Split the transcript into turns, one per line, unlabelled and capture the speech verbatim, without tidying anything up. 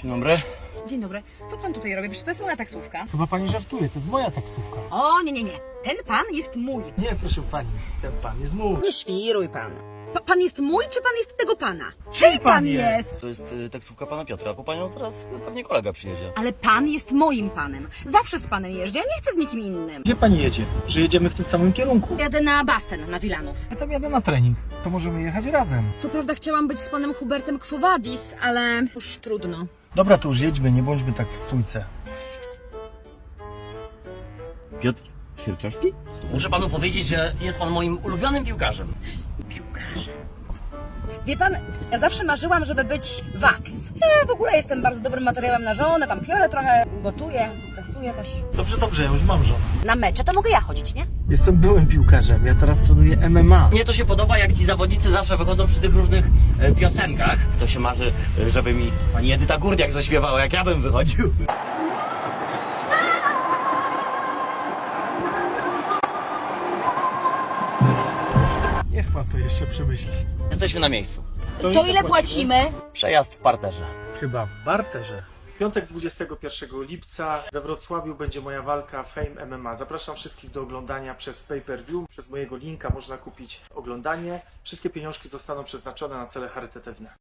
Dzień dobry.
Dzień dobry. Co pan tutaj robi? Przecież to jest moja taksówka.
Chyba pani żartuje, to jest moja taksówka.
O, nie, nie, nie. Ten pan jest mój.
Nie, proszę pani, ten pan jest mój.
Nie świruj pan. Pa, pan jest mój, czy pan jest tego pana? Czyj pan jest?
To jest y, taksówka pana Piotra, po panią zaraz pewnie kolega przyjedzie.
Ale pan jest moim panem. Zawsze z panem jeżdżę, ja nie chcę z nikim innym.
Gdzie pani jedzie? Że jedziemy w tym samym kierunku.
Jadę na basen, na Wilanów.
Ja tam jadę na trening. To możemy jechać razem.
Co prawda chciałam być z panem Hubertem Quo Vadis, ale już trudno.
Dobra, to już jedźmy, nie bądźmy tak w stójce.
Piotr Sierczewski? Muszę panu powiedzieć, że jest pan moim ulubionym piłkarzem.
Piłkarzem. Wie pan, ja zawsze marzyłam, żeby być waks. Ja w ogóle jestem bardzo dobrym materiałem na żonę, tam piorę trochę, gotuję, prasuję też.
Dobrze, dobrze, ja już mam żonę.
Na mecze to mogę ja chodzić, nie?
Jestem byłym piłkarzem, ja teraz trenuję M M A.
Mnie to się podoba, jak ci zawodnicy zawsze wychodzą przy tych różnych e, piosenkach. To się marzy, e, żeby mi pani Edyta Górniak zaśpiewała, jak ja bym wychodził.
Niech pan to jeszcze przemyśli.
Jesteśmy na miejscu.
To,
ile
ile
płacimy?
płacimy?
Przejazd w parterze.
Chyba w barterze. W piątek dwudziestego pierwszego lipca we Wrocławiu będzie moja walka Fame M M A. Zapraszam wszystkich do oglądania przez pay-per-view. Przez mojego linka można kupić oglądanie. Wszystkie pieniążki zostaną przeznaczone na cele charytatywne.